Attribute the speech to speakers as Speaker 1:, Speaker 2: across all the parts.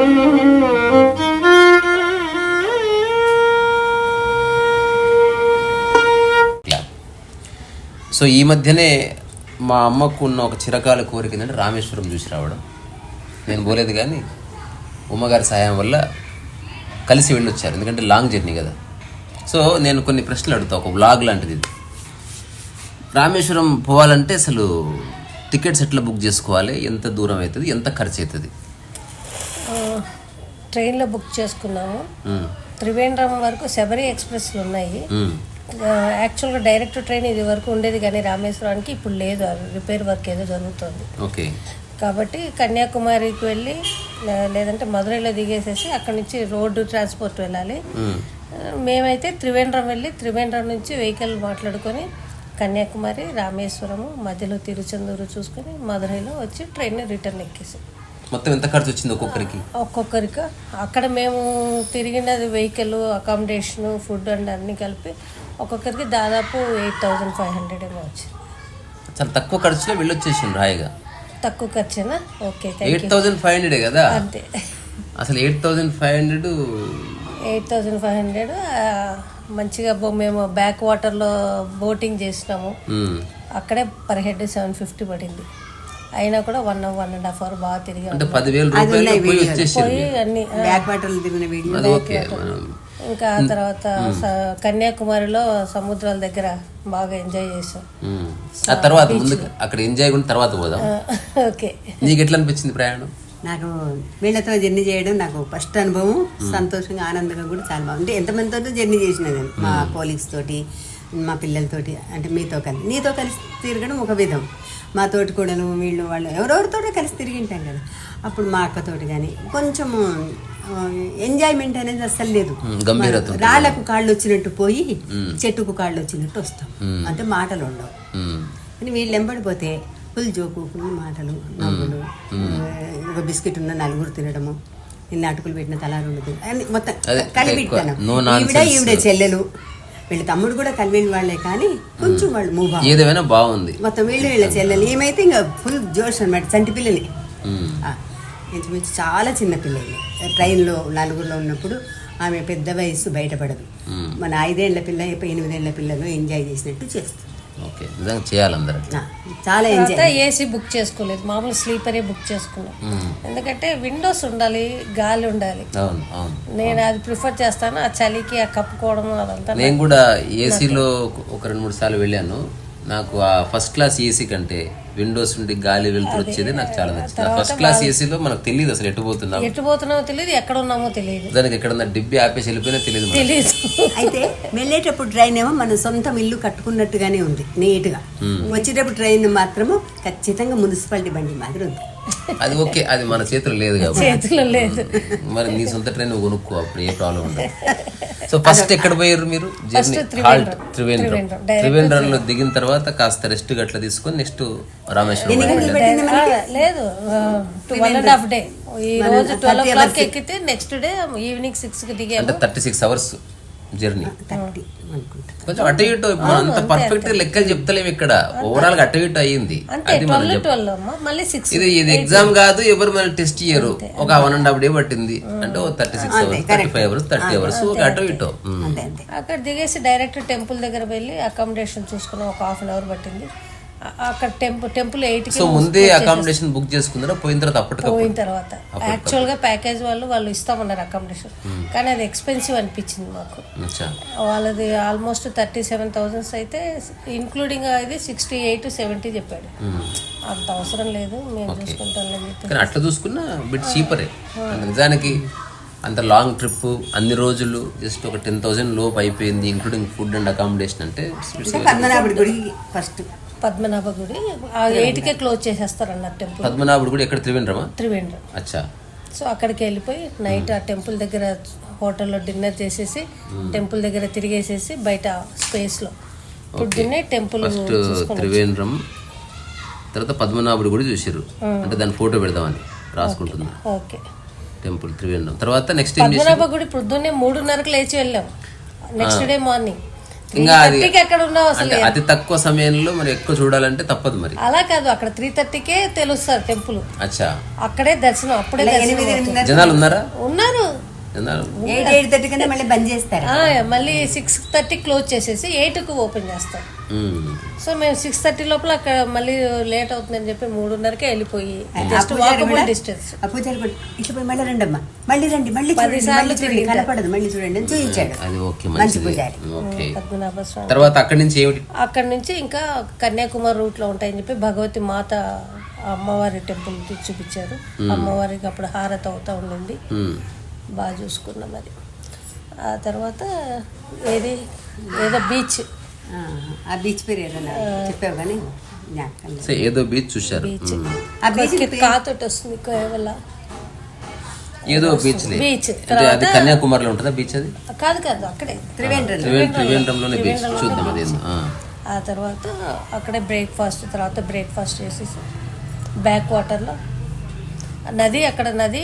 Speaker 1: So ఈ మధ్యనే మా అమ్మకు ఉన్న ఒక చిరకాల కోరిక ఏంటంటే రామేశ్వరం చూసి రావడం. నేను పోలేదు కానీ ఉమ్మగారి సహాయం వల్ల కలిసి వెళ్ళొచ్చారు, ఎందుకంటే లాంగ్ జర్నీ కదా. సో నేను కొన్ని ప్రశ్నలు అడుగుతా, ఒక వ్లాగ్ లాంటిది ఇది. రామేశ్వరం పోవాలంటే అసలు టికెట్స్ ఎట్లా బుక్ చేసుకోవాలి, ఎంత దూరం అవుతుంది, ఎంత ఖర్చు అవుతుంది?
Speaker 2: ట్రైన్లో బుక్ చేసుకున్నాము. త్రివేంద్రం వరకు శబరి ఎక్స్ప్రెస్లు ఉన్నాయి. యాక్చువల్గా డైరెక్ట్ ట్రైన్ ఇది వరకు ఉండేది, కానీ రామేశ్వరానికి ఇప్పుడు లేదు, రిపేర్ వర్క్ ఏదో జరుగుతుంది.
Speaker 1: ఓకే.
Speaker 2: కాబట్టి కన్యాకుమారికి వెళ్ళి లేదంటే మధురైలో దిగేసేసి అక్కడి నుంచి రోడ్డు ట్రాన్స్పోర్ట్ వెళ్ళాలి. మేమైతే త్రివేంద్రం వెళ్ళి త్రివేంద్రం నుంచి వెహికల్ మాట్లాడుకొని కన్యాకుమారి, రామేశ్వరము, మధ్యలో తిరుచెందూరు చూసుకొని మధురైలో వచ్చి ట్రైన్ రిటర్న్ ఎక్కేసి.
Speaker 1: మొత్తం ఎంత ఖర్చు వచ్చింది
Speaker 2: ఒక్కొక్కరికి? అక్కడ మేము తిరిగినది వెహికల్, అకామిడేషన్, ఫుడ్ అండ్ అన్నీ కలిపి ఒక్కొక్కరికి దాదాపు 8,500 ఏమో వచ్చింది.
Speaker 1: చాలా తక్కువ ఖర్చులో వెళ్ళొచ్చేసింది హాయిగా.
Speaker 2: తక్కువ ఖర్చేనా? ఓకే.
Speaker 1: 8,500 కదా?
Speaker 2: అంతే.
Speaker 1: అసలు 8,500
Speaker 2: మంచిగా మేము బ్యాక్ వాటర్లో బోటింగ్ చేసినాము. అక్కడే పర్ హెడ్ 750 పడింది. అయినా కూడా 1.5 అవర్ బాగా తిరిగాము. ఇంకా తర్వాత కన్యాకుమారిలో సముద్రాల దగ్గర బాగా ఎంజాయ్ చేసాం.
Speaker 1: తర్వాత అక్కడ ఎంజాయ్ తర్వాత పోదాం.
Speaker 2: ఓకే.
Speaker 1: నీకు ఎట్లా అనిపించింది ప్రయాణం?
Speaker 3: నాకు వీళ్ళతో జర్నీ చేయడం నాకు ఫస్ట్ అనుభవం. సంతోషంగా, ఆనందంగా కూడా చాలా బాగుంది. ఎంతమందితో జర్నీ చేసిన నేను, మా కోలీగ్స్ తోటి, మా పిల్లలతోటి, అంటే మీతో కలిసి, నీతో కలిసి తిరగడం ఒక విధం. మా తోటి కూడలు వీళ్ళు వాళ్ళు ఎవరెవరితో కలిసి తిరిగింటాం కదా. అప్పుడు మా అక్కతోటి కానీ కొంచెము ఎంజాయ్మెంట్ అనేది అస్సలు లేదు. రాళ్ళకు కాళ్ళు వచ్చినట్టు పోయి చెట్టుకు కాళ్ళు వచ్చినట్టు వస్తాం, అంటే మాటలు ఉండవు. కానీ వీళ్ళు ఎంబడిపోతే ఫుల్ జోకు, ఫుల్ మాటలు, నవ్వులు. ఒక బిస్కెట్ ఉన్న నలుగురు తినడము, నిన్న అటుకులు పెట్టిన తలా రెండు అని మొత్తం కలిపెట్టాను. ఈవిడ చెల్లెలు, వీళ్ళ తమ్ముడు కూడా కలివిన వాళ్ళే, కానీ కొంచెం వాళ్ళు మూవ్
Speaker 1: ఏదైనా బాగుంది.
Speaker 3: మొత్తం వీళ్ళ చెల్లెలు. ఏమైతే ఇంకా ఫుల్ జోష్ అనమాట. చంటి పిల్లలు ఇంచుమించు చాలా చిన్న పిల్లలు. ట్రైన్లో నలుగురిలో ఉన్నప్పుడు ఆమె పెద్ద వయసు బయటపడదు. మన 5 ఏళ్ల పిల్ల 8 ఏళ్ల పిల్లలు ఎంజాయ్ చేసినట్టు చేస్తుంది.
Speaker 1: ఓకే, నిజంగా చేయాలి అందరూ.
Speaker 3: చాలా ఎంజాయ్.
Speaker 2: ఏసీ బుక్ చేసుకోలేదు, మామూలు స్లీపరే బుక్ చేసుకున్నాం. ఎందుకంటే విండోస్ ఉండాలి, గాలి ఉండాలి. నేను అది ప్రిఫర్ చేస్తాను. ఆ చలికి ఆ కప్పుకోవడం అదంతా.
Speaker 1: నేను కూడా ఏసీలో ఒక 2-3 సార్లు వెళ్ళాను. నాకు ఆ ఫస్ట్ క్లాస్ ఏసీ కంటే విండోస్ నుండి గాలి వెళ్తురు వచ్చేది నాకు చాలా నచ్చింది. ఫస్ట్ క్లాస్ ఏసీలో మనకు తెలియదు అసలు ఎటు పోతున్నామో
Speaker 2: తెలియదు, ఎక్కడ ఉన్నామో తెలియదు,
Speaker 1: దానికి ఎక్కడన్నా డిబ్బి ఆపేసి వెళ్ళిపోయినా తెలియదు.
Speaker 3: అయితే వెళ్ళేటప్పుడు ట్రైన్ ఏమో మన సొంతం ఇల్లు కట్టుకున్నట్టుగానే ఉంది, నీట్ గా. వచ్చేటప్పుడు ట్రైన్ మాత్రము ఖచ్చితంగా మున్సిపాలిటీ బండి మాదిరి ఉంది.
Speaker 1: అది ఓకే, అది మన చేతులు లేదు కాబట్టి.
Speaker 2: చేతులు లేదు.
Speaker 1: మరి నీ సొంత ట్రైన్ కొనుక్కో, అప్పుడు ఏ ప్రాబ్లం ఉండదు. సో ఫస్ట్ ఎక్కడ పోయారు మీరు? త్రివేంద్రంలో దిగిన తర్వాత కాస్త రెస్ట్ గట్ల తీసుకొని నెక్స్ట్ రామేశ్వరం.
Speaker 2: లేదు, 2.5 డే. ఈ రోజు 12 o'clock ఎక్కితే నెక్స్ట్ డే ఈవినింగ్ 6కి దిగాము.
Speaker 1: అంటే 36 hours జర్నీ. కొంచెం అటు ఇటు అంత పర్ఫెక్ట్ లెక్కలు చెప్తలేము ఇక్కడ. ఓవరాల్ గా అటు ఇటు అయ్యింది. ఇది ఎగ్జామ్ కాదు, ఎవరు మన టెస్ట్ చేయరు. ఒక 1.5 day పట్టింది అంటే 36 hours, 35 hours, 30 hours అటు ఇటు.
Speaker 2: అక్కడ దిగేసి డైరెక్ట్ టెంపుల్ దగ్గర వెళ్ళి అకామిడేషన్ చూసుకున్నాం. ఒక 1/2 hour పట్టింది. అక్కడ టెంపుల్ 8కి.
Speaker 1: సో ముందే అకామిడేషన్ బుక్ చేసుకున్నారా? పోయిన
Speaker 2: తర్వాత యాక్చువల్ గా ప్యాకేజ్ వాళ్ళు ఇస్తామన్నారు అకామిడేషన్, కానీ అది ఎక్స్పెన్సివ్ అనిపించింది మాకు. వాళ్ళది ఆల్మోస్ట్ 37,000 అయితే ఇంక్లూడింగ్ ఇది 68-70 చెప్పాడు. అంత అవసరం లేదు, మేము చూసుకుంటాం.
Speaker 1: అట్లా చూసుకున్నా బిట్ చీపరే నిజానికి. అంత లాంగ్ ట్రిప్, అన్ని రోజులు, జస్ట్ ఒక 10,000 లోపు అయిపోయింది, ఇంక్లూడింగ్ ఫుడ్ అండ్ అకామిడేషన్. అంటే
Speaker 2: పద్మనాభ గుడి 8కే క్లోజ్ చేసేస్తారు అన్న టెంపుల్.
Speaker 1: పద్మనాభ గుడి ఎక్కడ? త్రివేంద్రం. అచ్చా.
Speaker 2: సో అక్కడికి వెళ్ళిపోయి నైట్ ఆ టెంపుల్ దగ్గర హోటల్లో డిన్నర్ చేసేసి టెంపుల్ దగ్గర తిరిగేసేసి బయట స్పేస్ లో పొద్దున్నే టెంపుల్
Speaker 1: త్రివేంద్రం తర్వాత పద్మనాభుడు గుడి చూసారు. అంటే దాని ఫోటో పెడదామని రాసుకుంటున్నా.
Speaker 2: ఓకే.
Speaker 1: టెంపుల్ త్రివేంద్రం తర్వాత నెక్స్ట్
Speaker 2: పద్మనాభ గుడి పొద్దున్నే 3:30కి లేచి వెళ్ళాం. నెక్స్ట్ డే మార్నింగ్
Speaker 1: ఇంకా అది
Speaker 2: 3:30కి ఎక్కడ ఉన్నావు అసలు?
Speaker 1: అంటే అతి తక్కువ సమయంలో మరి ఎక్కువ చూడాలంటే తప్పదు మరి.
Speaker 2: అలా కాదు, అక్కడ 3:30కే తెలుస్తారు టెంపుల్.
Speaker 1: అచ్చా,
Speaker 2: అక్కడే దర్శనం, అప్పుడే దర్శనం అవుతుంది.
Speaker 1: జనాలు ఉన్నారా?
Speaker 2: ఉన్నారు.
Speaker 1: జనాలు
Speaker 3: 8:30 కన్నా మళ్ళీ బంద్ చేస్తారు.
Speaker 2: మళ్ళీ 6:30 క్లోజ్ చేసేసి 8కు ఓపెన్ చేస్తారు.
Speaker 1: మ్మ్.
Speaker 2: సో మేము 6:30 లోపల అక్కడ మళ్ళీ లేట్ అవుతుందని చెప్పి 3:30కే వెళ్ళిపోయి జస్ట్ వాకబుల్ డిస్టెన్స్.
Speaker 3: ఆ పూజారి కూడా ఇట్లా పోయి మళ్ళీ రండి అమ్మా, మళ్ళీ రండి, మళ్ళీ
Speaker 2: 10
Speaker 3: చూడండి,
Speaker 2: సార్లు
Speaker 3: మళ్ళీ చూడండి, కనపడదు, మళ్ళీ చూడండి అని చూపించాడు.
Speaker 1: అది ఓకే,
Speaker 3: మంచి
Speaker 1: మంచిది.
Speaker 3: పూజారి.
Speaker 1: ఓకే,
Speaker 2: పద్మనాభ స్వామి.
Speaker 1: తర్వాత అక్కడి నుంచి ఏమిటి?
Speaker 2: అక్కడ నుంచి ఇంకా కన్యాకుమారి రూట్ లో ఉంటాయని చెప్పి భగవతి మాత అమ్మవారి టెంపుల్ చూపించారు. అమ్మవారికి అప్పుడు హారతి అవుతా ఉండింది,
Speaker 1: మ్మ్.
Speaker 2: బాగా చూసుకున్నాం అది. ఆ తర్వాత ఏదో బీచ్,
Speaker 3: ఆ బీచ్ పేరు ఏదన్నా చెప్పావు కానీ జ్ఞాపకం లేదు.
Speaker 1: సో ఏదో బీచ్ చూశారు.
Speaker 2: బీచ్
Speaker 3: ఆ బీచ్
Speaker 2: కాతోటి వస్తుంది కేవలం.
Speaker 1: ఏదో బీచ్
Speaker 2: బీచ్
Speaker 1: అంటే అది కన్యాకుమారిలో ఉంటుందా బీచ్? అది
Speaker 2: కాదు అక్కడే
Speaker 1: త్రివేంద్రంలోనే బీచ్. చూద్దాం అది.
Speaker 2: ఆ తర్వాత అక్కడే బ్రేక్ఫాస్ట్ చేసేసి బ్యాక్ వాటర్లో నది, అక్కడ నది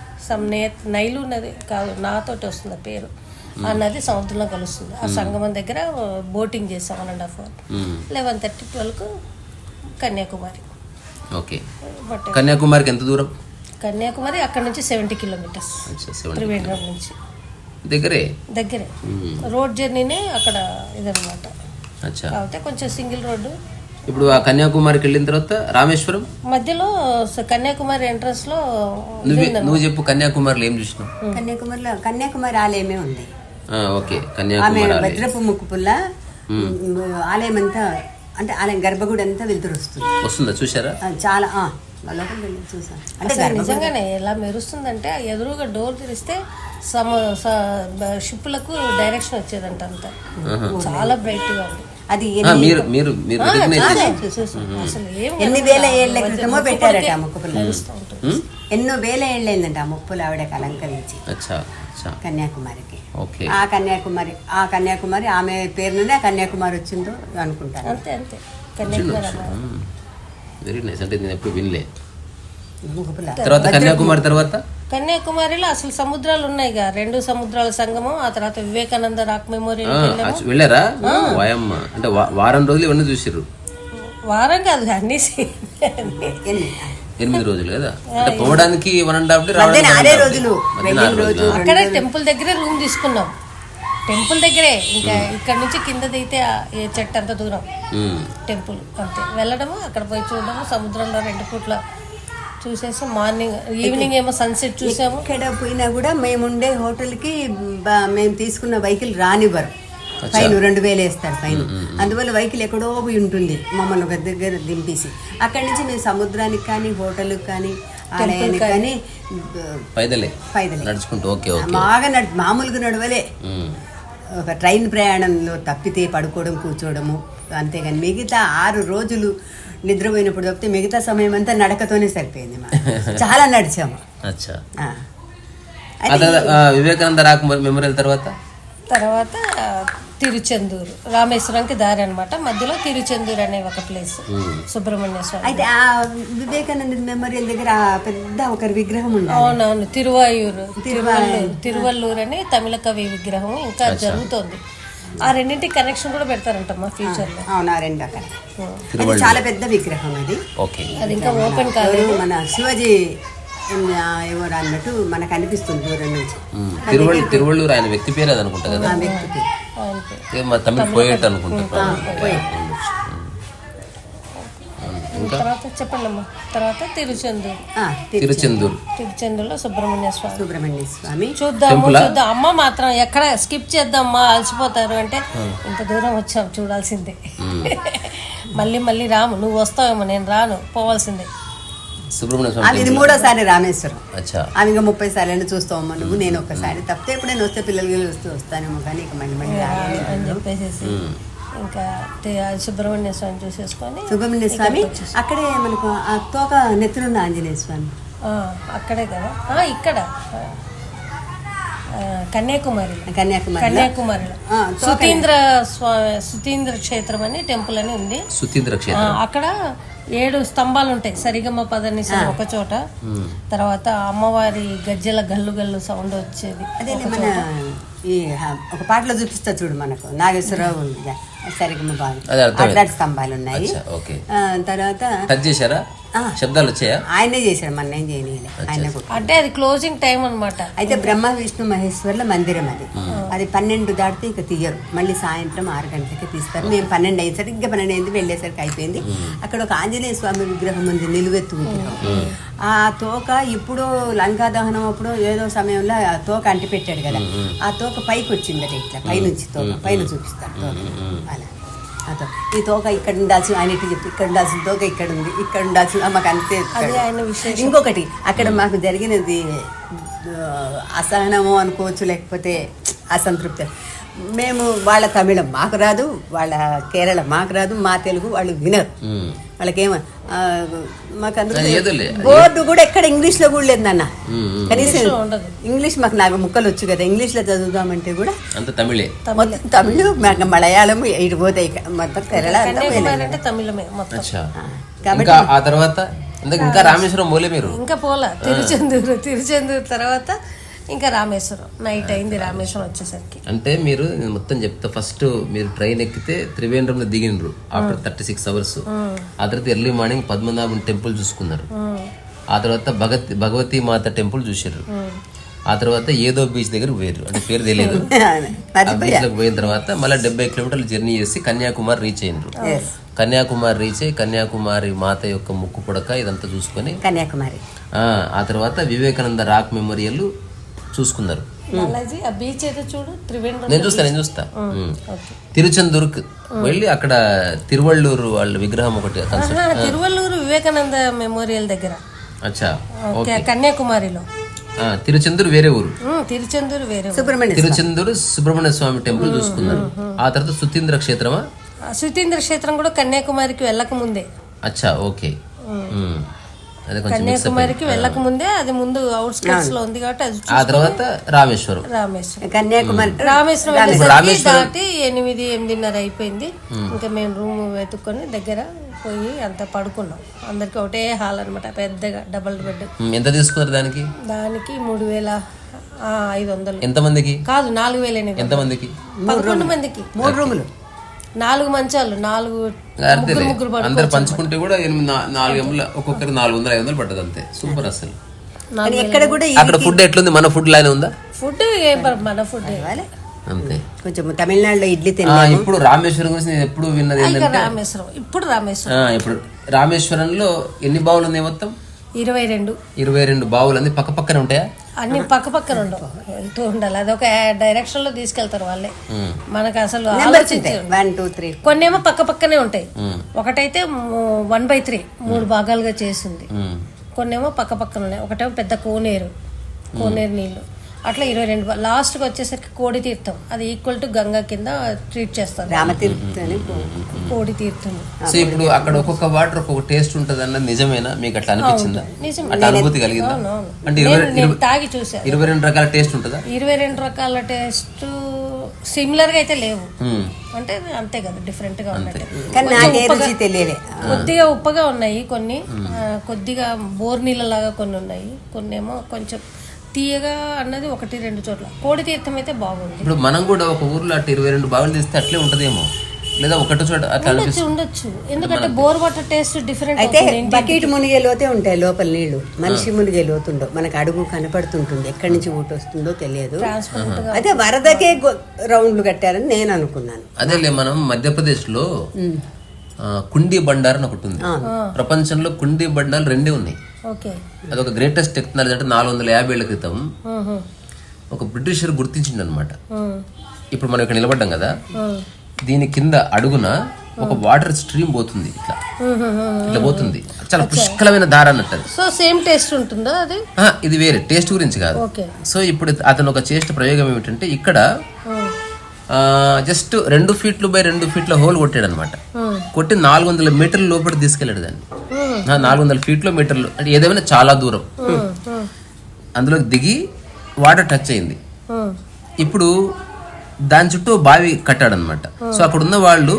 Speaker 2: నైలు నది కాదు, నాతోటి వస్తుంది ఆ పేరు. ఆ నది సముద్రంలో కలుస్తుంది. ఆ సంగమం దగ్గర బోటింగ్ చేసాం 1.5 hour. 11:30, 12కు కన్యాకుమారి.
Speaker 1: ఓకే, కన్యాకుమారికి ఎంత దూరం?
Speaker 2: కన్యాకుమారి అక్కడ నుంచి 70 kilometers, త్రివేంద్రం నుంచి
Speaker 1: దగ్గరే.
Speaker 2: రోడ్ జర్నీనే అక్కడ ఇదనమాట.
Speaker 1: అచ్చా,
Speaker 2: కాకపోతే కొంచెం సింగిల్ రోడ్డు.
Speaker 1: ఇప్పుడు ఆ కన్యాకుమారికి వెళ్ళిన తర్వాత రామేశ్వరం
Speaker 2: మధ్యలో కన్యాకుమారి ఎంట్రన్స్ లో
Speaker 1: నువ్వు చెప్పు, కన్యాకుమారిలో ఏం చూసినావు?
Speaker 3: కన్యాకుమారి ఆలయమే ఉంది.
Speaker 1: ఓకే,
Speaker 3: ఆమె
Speaker 1: కన్యాకుమారి
Speaker 3: భద్రపు ముక్కు పుల్ల ఆలయం అంతా, అంటే ఆలయం గర్భగుడి అంతా వెళ్తురు
Speaker 1: వస్తుందా? చూసారా?
Speaker 3: చాలా లోపలికి వెళ్ళి చూసాను. అంటే
Speaker 2: అసలు నిజంగానే ఎలా మెరుస్తుందంటే ఎదురుగా డోర్ తెరిస్తే షిప్పులకు డైరెక్షన్ వచ్చేదంట అంతా. చాలా బ్రైట్ గా ఉంది.
Speaker 3: అది
Speaker 1: మీరు
Speaker 2: అసలు
Speaker 3: ఎన్ని వేల ఏళ్ల క్రితమో పెట్టారట ఆ ముక్కు పుల్ల. ఎన్నో వేల ఏళ్ళైందంట ఆ ముక్కులు ఆవిడకి అలంకరించి కన్యాకుమారికి. ఆ కన్యాకుమారి ఆమె పేరు నుండి ఆ కన్యాకుమారి వచ్చిందో అనుకుంటాను.
Speaker 2: అంతే కన్యాకుమారి.
Speaker 1: Very nice. అంటే నేను ఎప్పుడు వినలే. తర్వాత కన్యాకుమారిలో
Speaker 2: అసలు సముద్రాలు ఉన్నాయి, 2 సముద్రాల సంగమం. ఆ తర్వాత వివేకానంద రాక్ మెమోరియల్
Speaker 1: వెళ్ళారా? వాయమ్మ, అంటే వారం రోజులు ఇవన్నీ చూసిర్రు?
Speaker 2: వారం కాదు, అన్ని
Speaker 1: 8 రోజులు కదా. అంటే పోవడానికి 1.5
Speaker 3: రోజులు.
Speaker 2: అక్కడే టెంపుల్ దగ్గరే రూమ్ తీసుకున్నాం. టెంపుల్ దగ్గరే, ఇంకా ఇక్కడ నుంచి కింద దిగితే చెట్టు అంత దూరం టెంపుల్ అంతే. వెళ్ళడము, అక్కడ పోయి చూడడము, సముద్రంలో 2 పూట్ల చూసేసి మార్నింగ్ ఈవినింగ్ ఏమో సన్సెట్ చూసాము.
Speaker 3: ఎక్కడ పోయినా కూడా మేముండే హోటల్కి మేము తీసుకున్న వెహికల్ రానివ్వరు, ఫైన్ 2000 వేస్తారు ఫైన్. అందువల్ల వెహికల్ ఎక్కడో పోయి ఉంటుంది, మమ్మల్ని ఒక దగ్గర దింపేసి అక్కడి నుంచి మేము సముద్రానికి కానీ హోటల్కి కానీ ఆలయానికి కానీ
Speaker 1: పైదలే నడుచుకుంటూ.
Speaker 3: బాగా మామూలుగా నడవలే. ఒక ట్రైన్ ప్రయాణంలో తప్పితే పడుకోవడం కూర్చోవడము అంతేగాని మిగతా 6 రోజులు నిద్రపోయినప్పుడు తప్పితే మిగతా సమయం అంతా నడకతోనే సరిపోయింది. చాలా నడిచాము.
Speaker 1: వివేకానంద రాక్ మెమోరియల్ తర్వాత
Speaker 2: తిరుచెందూరు, రామేశ్వరంకి దారి అనమాట. మధ్యలో తిరుచెందూరు అనే ఒక ప్లేస్, సుబ్రహ్మణ్య స్వామి.
Speaker 3: అయితే ఆ వివేకానంద మెమోరియల్ దగ్గర పెద్ద ఒక విగ్రహం ఉంది.
Speaker 2: అవునవును, తిరువల్లూరు అని తమిళ కవి విగ్రహం ఇంకా జరుగుతోంది. ఆ రెండింటికి కనెక్షన్ కూడా పెడతారంటమ్మా ఫ్యూచర్ లో.
Speaker 3: అవునా, 2 అక్కడ చాలా పెద్ద విగ్రహం అది.
Speaker 2: అది ఇంకా ఓపెన్ కాలేదు.
Speaker 3: మన శివాజీ ఎవరు అన్నట్టు మనకు అనిపిస్తుంది దూరం నుంచి.
Speaker 1: తిరువళ్ళూరు ఆయన వ్యక్తి పేరు అది అనుకుంటా కదా, తమిళ పోయేట్ అనుకుంటా.
Speaker 2: తర్వాత చెప్పండి అమ్మా. తర్వాత తిరుచెందూరులో సుబ్రహ్మణ్య స్వామి చూద్దాం. అమ్మ మాత్రం ఎక్కడ స్కిప్ చేద్దామా, అలసిపోతారు అంటే ఇంత దూరం వచ్చాం, చూడాల్సిందే. మళ్ళీ రాము, నువ్వు వస్తావేమో, నేను రాను, పోవాల్సిందే.
Speaker 1: సుబ్రహ్మణ్య స్వామి
Speaker 3: ఇది 3వ రామేశ్వరం. ఆమె ఇంకా 30 సార్లు చూస్తామమ్మా నువ్వు, నేను ఒక్కసారి తప్పితే ఎప్పుడైనా వస్తే పిల్లలు వస్తానేమో కానీ ఇక మళ్ళీ
Speaker 2: అని చెప్పేసి ఇంకా సుబ్రహ్మణ్య స్వామి చూసేసుకొని,
Speaker 3: సుబ్రహ్మణ్య స్వామి అక్కడే మనకు ఆ తోక నెత్తునున్న ఆంజనేయ స్వామి
Speaker 2: అక్కడే కదా. ఇక్కడ కన్యాకుమారిలో సుతీంద్ర క్షేత్రం అని టెంపుల్ అని ఉంది. అక్కడ 7 స్తంభాలు ఉంటాయి, సరిగమ పదనిస ఒక చోట. తర్వాత అమ్మవారి గజ్జల గల్లు సౌండ్ వచ్చేది.
Speaker 3: అదే మన ఈ ఒక పాటలో చూపిస్తా చూడు మనకు నాగేశ్వరరావు సరిగమ బాగా
Speaker 1: అది అర్థమైంది.
Speaker 3: అట్లాంటి స్తంభాలు ఉన్నాయి.
Speaker 1: అచ్చా, ఓకే.
Speaker 3: తర్వాత
Speaker 1: టచ్ చేశారా? శబ్దాలు వచ్చాయా?
Speaker 3: ఆయనే చేశాడు, మన ఏం చేయలే, ఆయన కూడా.
Speaker 2: అంటే అది క్లోజింగ్ టైం అన్నమాట.
Speaker 3: అయితే బ్రహ్మ విష్ణు మహేశ్వర్ల మందిరం అది. అది 12 దాటితే ఇక తీయరు, మళ్ళీ సాయంత్రం 6 గంటలకి తీస్తారు. మేము 12 అయ్యి సరిగ్గా 12 అయింది, వెళ్ళేసరికి అయిపోయింది. అక్కడ ఒక ఆంజనేయ స్వామి విగ్రహం ఉంది, నిలువెత్తు విగ్రహం. ఆ తోక ఇప్పుడు లంకా దహనం అప్పుడు ఏదో సమయంలో ఆ తోక అంటి పెట్టాడు కదా, ఆ తోక పైకి వచ్చిందట, ఇట్లా పైనుంచి తోక పైన చూపిస్తాడు తోక అలా. ఈ తోక ఇక్కడ ఉండాల్సిన, ఆయన ఇటు చెప్తే ఇక్కడ ఉండాల్సిన తోక ఇక్కడ ఉంది, ఇక్కడ ఉండాల్సిన మాకు అంతే. ఇంకొకటి అక్కడ మాకు జరిగినది అసహనము అనుకోవచ్చు, లేకపోతే అసంతృప్తి. మేము వాళ్ళ తమిళం మాకు రాదు, వాళ్ళ కేరళ మాకు రాదు, మా తెలుగు వాళ్ళు వినరు. వాళ్ళకేమో మాకు అందుకు బోర్డు కూడా ఎక్కడ ఇంగ్లీష్లో కూడా లేదన్న, కనీసం ఇంగ్లీష్ నాకు ముక్కలు వచ్చు కదా, ఇంగ్లీష్లో చదువుదామంటే కూడా
Speaker 1: అంత తమిళే,
Speaker 3: మొత్తం తమిళ్, మలయాళం ఇటు పోతాయి, మొత్తం కేరళ
Speaker 2: తమిళమే మొత్తం.
Speaker 1: కాబట్టి ఆ తర్వాత ఇంకా రామేశ్వరం పోలే మీరు?
Speaker 2: ఇంకా పోలా, తిరుచెందూరు తర్వాత ఇంకా రామేశ్వరం. నైట్ అయింది రామేశ్వరం వచ్చేసరికి.
Speaker 1: అంటే మీరు నేను మొత్తం చెప్తా. ఫస్ట్ మీరు ట్రైన్ ఎక్కితే త్రివేంద్రంలో దిగినరు ఆఫ్టర్ 36 hours. ఆ తర్వాత ఎర్లీ మార్నింగ్ పద్మనాభం టెంపుల్ చూసుకున్నారు. ఆ తర్వాత భగవతి మాత టెంపుల్ చూసారు. ఆ తర్వాత ఏదో బీచ్ దగ్గర పోయారు, అంటే పేరు తెలియదు. ఆ బీచ్ లోకి పోయిన తర్వాత మళ్ళీ 70 kilometers జర్నీ చేసి కన్యాకుమారి రీచ్ అయినరు. కన్యాకుమారి రీచ్ అయ్యి కన్యాకుమారి మాత యొక్క ముక్కు పుడక ఇదంతా చూసుకొని
Speaker 3: కన్యాకుమారి,
Speaker 1: ఆ తర్వాత వివేకానంద రాక్ మెమోరియల్ చూసుకున్నారు.
Speaker 2: ఆ బీచ్ అయితే చూడు, త్రివేంద్రం
Speaker 1: నేను చూస్తా. తిరుచెందూరుకు వెళ్ళి అక్కడ తిరువళ్ళూరు వాళ్ళ విగ్రహం ఒకటి,
Speaker 2: తిరువల్లూరు వివేకానంద మెమోరియల్ దగ్గర.
Speaker 1: అచ్చా,
Speaker 2: కన్యాకుమారిలో.
Speaker 1: తిరుచెందూరు వేరే ఊరు,
Speaker 2: తిరుచెందూరు వేరే,
Speaker 1: తిరుచెందూరు సుబ్రహ్మణ్య స్వామి టెంపుల్ చూసుకున్నారు. ఆ తర్వాత సుతీంద్ర క్షేత్రమా?
Speaker 2: సుతీంద్ర క్షేత్రం కూడా కన్యాకుమారికి వెళ్ళక ముందే.
Speaker 1: అచ్చా, ఓకే.
Speaker 2: కన్యాకుమారికి వెళ్ళక ముందే, అది ముందు అవుట్స్కట్స్ లో ఉంది కాబట్టి అది.
Speaker 1: ఆ తర్వాత రామేశ్వరం.
Speaker 3: కన్యాకుమారి
Speaker 2: రామేశ్వరం దాటి 8-8:30 అయిపోయింది. ఇంకా మేము రూమ్ వెతుక్కొని దగ్గర పోయి అంత పడుకున్నాం. అందరికి ఒకటే హాల్ అనమాట, పెద్దగా డబుల్ బెడ్.
Speaker 1: ఎంత తీసుకున్నారు దానికి?
Speaker 2: 3,500.
Speaker 1: ఎంతమందికి?
Speaker 2: కాదు, 4,000.
Speaker 1: ఎంతమందికి?
Speaker 2: 11 మందికి,
Speaker 3: 3 రూములు,
Speaker 2: 4 మంచాలు, 4 ముగ్గురు
Speaker 1: అందరు పంచుకుంటే కూడా 4 ఒక్కొక్కరు 400-500 పడ్డది అంతే. సూపర్ అసలు.
Speaker 3: ఎక్కడ కూడా
Speaker 1: అక్కడ ఫుడ్ ఎట్లుంది? మన ఫుడ్ లానే ఉందా?
Speaker 2: ఫుడ్ మన ఫుడ్
Speaker 1: అంతే.
Speaker 3: కొంచెం తమిళనాడులో ఇడ్లీ తిన్నా.
Speaker 1: ఇప్పుడు రామేశ్వరం గురించి నేను ఎప్పుడు విన్నది ఏంటంటే,
Speaker 2: ఇప్పుడు
Speaker 1: రామేశ్వరంలో ఎన్ని బావులు ఉన్నాయి మొత్తం?
Speaker 2: 22
Speaker 1: బావులు. అన్ని పక్క పక్కనే ఉంటాయా?
Speaker 2: అన్ని పక్క పక్కన ఉండవు, వెళ్తూ ఉండాలి. అదొక డైరెక్షన్ లో తీసుకెళ్తారు వాళ్ళే. మనకు అసలు ఆలోచించారు.
Speaker 3: 1, 2, 3
Speaker 2: కొన్నేమో పక్క పక్కనే ఉంటాయి. ఒకటైతే 1/3 3 భాగాలుగా చేసింది. కొన్నేమో పక్క పక్కన ఉన్నాయి. ఒకటేమో పెద్ద కోనేరు నీళ్లు. అట్లా 22. లాస్ట్కి వచ్చేసరికి కోడి తీర్థం, అది ఈక్వల్ టు గంగా కింద ట్రీట్ చేస్తారు, కోడి తీర్థం.
Speaker 1: సో ఇప్పుడు అక్కడ ఒక్కొక్క వాటర్ ఒక్కొక్క టేస్ట్ ఉంటుంది అన్నది నిజమేనా? మీకు అట్లా అనిపించిందా? అట్లా అనుభూతి కలిగిందా? అంటే
Speaker 2: తాగి చూసా.
Speaker 1: 22 రకాల టేస్ట్ ఉంటుందా?
Speaker 2: 22 రకాల టేస్ట్ సిమిలర్ గా అయితే లేవు, అంటే అంతే కదా, డిఫరెంట్ గా ఉన్నాయి. కొద్దిగా ఉప్పగా ఉన్నాయి కొన్ని, కొద్దిగా బోర్ నీళ్ళ లాగా కొన్ని ఉన్నాయి, కొన్ని ఏమో కొంచెం తీయగా అన్నది 1-2 చోట్ల. కోడి తీర్థం అయితే బాగుంది.
Speaker 1: ఇప్పుడు మనం కూడా ఒక ఊర్లో అట్లా 22 బావులు తీస్తే అట్లే ఉంటదేమో, లేదా ఒకటి చోట
Speaker 2: ఉండొచ్చు. ఎందుకంటే బోర్ వాటర్ టేస్ట్ డిఫరెంట్.
Speaker 3: అయితే బకెట్ మునిగే లోతే ఉంటాయి లోపల నీళ్లు, మనిషి మునిగే లోతుండవు. మనకు అడుగు కనపడుతుంటుంది, ఎక్కడి నుంచి ఊట వస్తుందో తెలియదు. అయితే వరదకే రౌండ్లు కట్టారని నేను అనుకున్నాను.
Speaker 1: అదేలే, మనం మధ్యప్రదేశ్ లో కుండీ బండార్ అని ఒకటి ఉంది. ప్రపంచంలో కుండీ బండాలు 2 ఉన్నాయి. అదొక గ్రేటెస్ట్ టెక్నాలజీ. అంటే 450 ఏళ్ల క్రితం ఒక బ్రిటిషర్ గుర్తించిండు అనమాట. ఇప్పుడు మనం ఇక్కడ నిలబడ్డాం కదా, దీని కింద అడుగున ఒక వాటర్ స్ట్రీమ్ పోతుంది, ఇట్లా పోతుంది. చాలా పుష్కలమైన దారి అన్నట్టు.
Speaker 2: సో సేమ్ టేస్ట్ ఉంటుందా అది?
Speaker 1: ఇది వేరే టేస్ట్ గురించి కాదు. సో ఇప్పుడు అతను ఒక చేసిన ప్రయోగం ఏమిటంటే, ఇక్కడ just 2 feet by 2 feet hole కొట్టాడు అనమాట. కొట్టి 400 మీటర్ల లోపల తీసుకెళ్ళాడు దాన్ని. 400 feet మీటర్లు అంటే ఏదేమైనా చాలా దూరం. అందులో దిగి వాటర్ టచ్ అయింది. ఇప్పుడు దాని చుట్టూ బావి కట్టాడనమాట. సో అక్కడ ఉన్న వాళ్ళు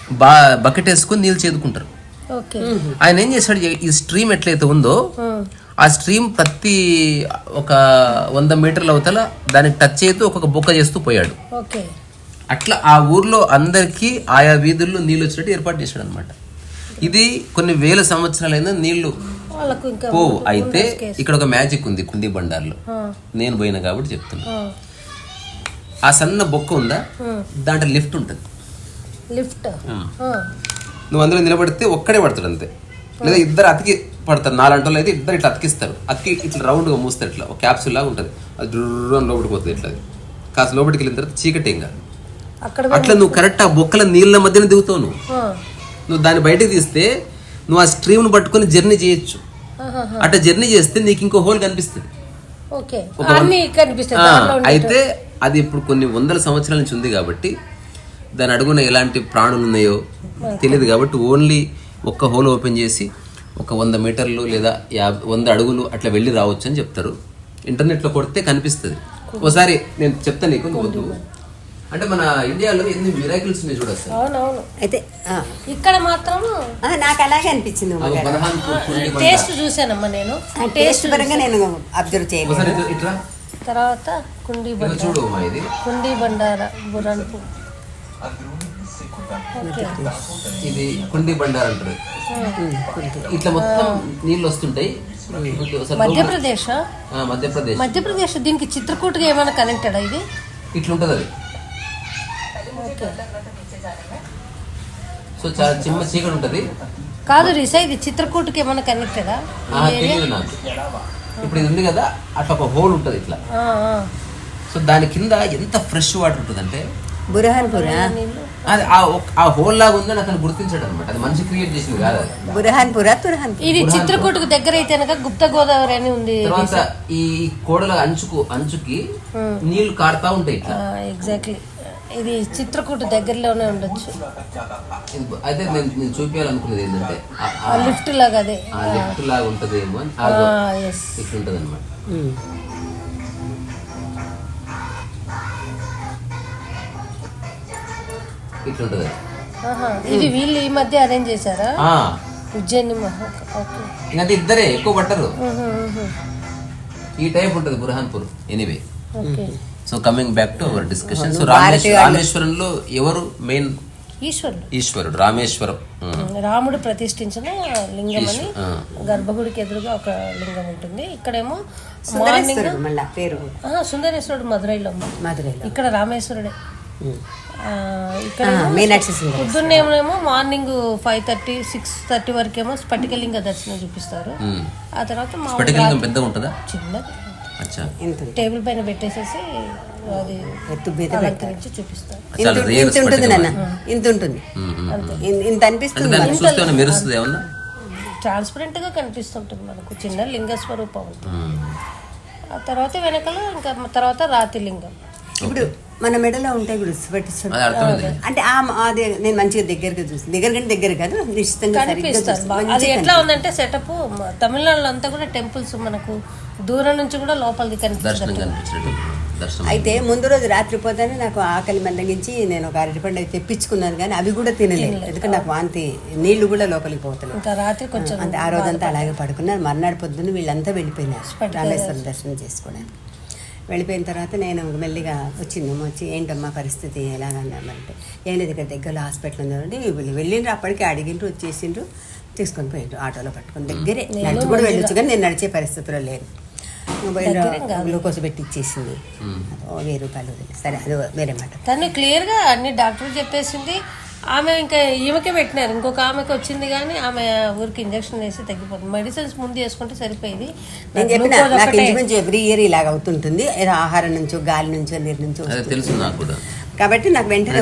Speaker 1: బకెట్ వేసుకుని నీళ్ళు చేదుకుంటారు. ఆయన ఏం చేశాడు, ఈ స్ట్రీమ్ ఎట్లయితే ఉందో ఆ స్ట్రీమ్ ప్రతి ఒక 100 మీటర్ల అవతల దానికి టచ్ చేస్తూ ఒక్కొక్క బొక్క చేస్తూ పోయాడు.
Speaker 2: ఓకే.
Speaker 1: అట్లా ఆ ఊర్లో అందరికీ ఆయా వీధుల్లో నీళ్ళు వచ్చినట్టు ఏర్పాటు చేశాడు అనమాట. ఇది కొన్ని వేల సంవత్సరాలైనా నీళ్లు
Speaker 2: వాళ్ళకు ఇంకా
Speaker 1: పోవు. అయితే ఇక్కడ ఒక మ్యాజిక్ ఉంది కుండీ బండార్లో, నేను పోయినా కాబట్టి చెప్తున్నా. ఆ సన్న బొక్క ఉందా, దాంట్లో లిఫ్ట్ ఉంటుంది.
Speaker 2: లిఫ్ట్
Speaker 1: నువ్వు అందులో నిలబడితే ఒక్కడే పడతాడు అంతే, లేదా ఇద్దరు అతికి పడతారు. 4 గంటలు అయితే ఇద్దరు ఇట్లా అతికిస్తారు. అతికి ఇట్లా రౌండ్గా మూస్తారు, ఇట్లా ఒక క్యాప్సూల్ లాగా ఉంటుంది. అది డ్రూన్ లోపలికి పోతుంది. ఇట్లా కాస్త లోపలికి వెళ్ళిన తర్వాత చీకటి ఇంకా అట్లా నువ్వు కరెక్ట్ ఆ బొక్కల నీళ్ళ మధ్యన దిగుతావు. నువ్వు దాన్ని బయటకు తీస్తే నువ్వు ఆ స్ట్రీమ్ను పట్టుకొని జర్నీ చేయొచ్చు. అట్లా జర్నీ చేస్తే నీకు ఇంకో హోల్ కనిపిస్తుంది. అయితే అది ఇప్పుడు కొన్ని వందల సంవత్సరాల నుంచి ఉంది కాబట్టి దాని అడుగున ఎలాంటి ప్రాణులు ఉన్నాయో తెలియదు కాబట్టి ఓన్లీ ఒక్క హోల్ ఓపెన్ చేసి ఒక 100 మీటర్లు లేదా 100 అడుగులు అట్లా వెళ్ళి రావచ్చు అని చెప్తారు. ఇంటర్నెట్లో కొడితే కనిపిస్తుంది. ఒకసారి నేను చెప్తాను నీకు, నువ్వు అంటే మన ఇండియాలో ఎన్ని మిరాకిల్స్ ఉన్నాయి చూడొచ్చు.
Speaker 2: అవునవును.
Speaker 3: అయితే
Speaker 2: ఇక్కడ మాత్రం
Speaker 3: నాకు అలాగే అనిపించింది.
Speaker 2: టేస్ట్ చూసానమ్మా నేను,
Speaker 3: టేస్ట్ పరంగా నేను అబ్జర్వ్ చేయలేదు.
Speaker 1: ఇట్లా
Speaker 2: తర్వాత కుండీ
Speaker 1: చూడు ఇది
Speaker 2: కుండీ బండార బుర్హాన్పూర్.
Speaker 1: ఇది కుండీ బండార్ అంటారు. ఇట్లా మొత్తం నీళ్ళు వస్తుంటాయి.
Speaker 2: మధ్యప్రదేశ్
Speaker 1: మధ్యప్రదేశ్
Speaker 2: మధ్యప్రదేశ్ దీనికి చిత్రకూటగా ఏమైనా కనెక్టెడా? ఇది
Speaker 1: ఇట్లుంటది అది. సో చాలా చిన్న చీకటి ఉంటది.
Speaker 2: కాదు రిసా, ఇది చిత్రకూటకి ఏమైనా కనెక్టెడా?
Speaker 1: తెలియదు నాకు. ఇప్పుడు ఇది ఉంది కదా, అట్లా ఒక హోల్ ఉంటది ఇట్లా. సో దాని కింద ఎంత ఫ్రెష్ వాటర్ ఉంటుంది అంటే
Speaker 3: బుర్హాన్పూర్.
Speaker 1: అది ఆ హోల్ లాగా ఉందని అతను గుర్తించాడు అనమాట. అది మనిషి క్రియేట్ చేసింది కాదు.
Speaker 3: బుర్హాన్పూర్
Speaker 2: ఇది చిత్రకూటకు దగ్గర అయితే గుప్త గోదావరి అని ఉంది.
Speaker 1: తర్వాత ఈ కోడల అంచుకి నీళ్లు కారుతా ఉంటాయి ఇట్లా.
Speaker 2: ఎగ్జాక్ట్లీ, ఇది చిత్రకూట దగ్గరలోనే ఉండొచ్చు.
Speaker 1: అయితే నేను చూపించాలనుకున్నది ఏంటంటే
Speaker 2: లిఫ్ట్ లాగా, అదే
Speaker 1: లిఫ్ట్ లాగా ఉంటదేమో అని ఇట్లుంటది అనమాట. ఇట్లుంటది.
Speaker 2: ఇది వీళ్ళు ఈ మధ్య అరేంజ్ చేశారా? ఉజ్జయిని.
Speaker 1: ఇంకంటే ఇద్దరే ఎక్కువ పట్టరు. ఈ టైప్ ఉంటుంది Burhanpur. Anyway, so coming back to our discussion. So రామేశ్వరంలో ఎవరు మెయిన్? ఈశ్వరుడు. రామేశ్వరం
Speaker 2: రాముడు ప్రతిష్ఠించిన లింగం అని గర్భగుడికి ఎదురుగా ఒక లింగం ఉంటుంది. ఇక్కడేమో సుందరేశ్వరుడు మధురైలో, ఇక్కడ రామేశ్వరుడే. ఇక్కడ పొద్దున్నేమో మార్నింగ్ 5:30, 6:30 వరకేమో స్ఫటికలింగ దర్శనం చూపిస్తారు. ఆ తర్వాత చిన్నది టేబుల్ పైన పెట్టేసేసి అది అలంకరించి చూపిస్తారు. ట్రాన్స్పరెంట్ గా కనిపిస్తుంటుంది మనకు, చిన్న లింగ స్వరూపం. ఆ తర్వాత వెనకాల ఇంకా తర్వాత రాతి లింగం.
Speaker 3: ఇప్పుడు మన మెడలో ఉంటాయి అంటే అదే నేను మంచిగా దగ్గరగా చూసి దగ్గర కాదు నిశ్చితంగా
Speaker 2: కనిపిస్తారు. అది ఎట్లా ఉందంటే సెటప్ తమిళనాడులో అంతా కూడా టెంపుల్స్ మనకు దూరం నుంచి కూడా లోపలికి కనిపిస్తుంది.
Speaker 3: అయితే ముందు రోజు రాత్రి పోతానే నాకు ఆకలి మందగించి నేను ఒక అరటిపండు అయితే తెప్పించుకున్నాను, కానీ అవి కూడా తినలేదు. ఎందుకంటే నాకు వాంతి, నీళ్లు కూడా లోపలికి పోతున్నాయి.
Speaker 2: ఇంకా రాత్రి కొంచెం
Speaker 3: అంటే ఆ రోజంతా అలాగే పడుకున్నాను. మర్నాడు పొద్దున్న వీళ్ళంతా వెళ్ళిపోయినారు రామేశ్వరం దర్శనం చేసుకోవడానికి. వెళ్ళిపోయిన తర్వాత నేను మెల్లిగా వచ్చి ఏంటమ్మా పరిస్థితి ఎలాగన్నామంటే, ఏం లేదు ఇక్కడ దగ్గరలో హాస్పిటల్ ఉందండి. వెళ్ళిండ్రు, అప్పటికే అడిగిండ్రు, వచ్చేసిండ్రు, తీసుకొని పోయిండ్రు ఆటోలో పట్టుకొని. దగ్గరే నడిచి కూడా వెళ్ళొచ్చు, కానీ నేను నడిచే పరిస్థితిలో లేదు. మొబైల్ గ్లూకోజ్ పెట్టి ఇచ్చేసింది, 1000 రూపాయలు. సరే, అది వేరే మాట.
Speaker 2: తను క్లియర్గా అన్ని డాక్టర్ చెప్పేసింది. ఆమె ఇంకా ఈమెకే పెట్టినారు, ఇంకొక ఆమెకి వచ్చింది, కానీ ఆమె ఊరికి ఇంజక్షన్ వేసి తగ్గిపోతుంది. మెడిసిన్స్ ముందు వేసుకుంటే సరిపోయింది.
Speaker 3: నేను చెప్పిన నాకు ఇంచుమించు ఎవ్రీ ఇయర్ ఇలాగ అవుతుంటుంది, ఏదో ఆహారం నుంచో గాలి నుంచో నీరు నుంచో
Speaker 1: తెలుసు నాకు కూడా.
Speaker 3: కాబట్టి నాకు వెంటనే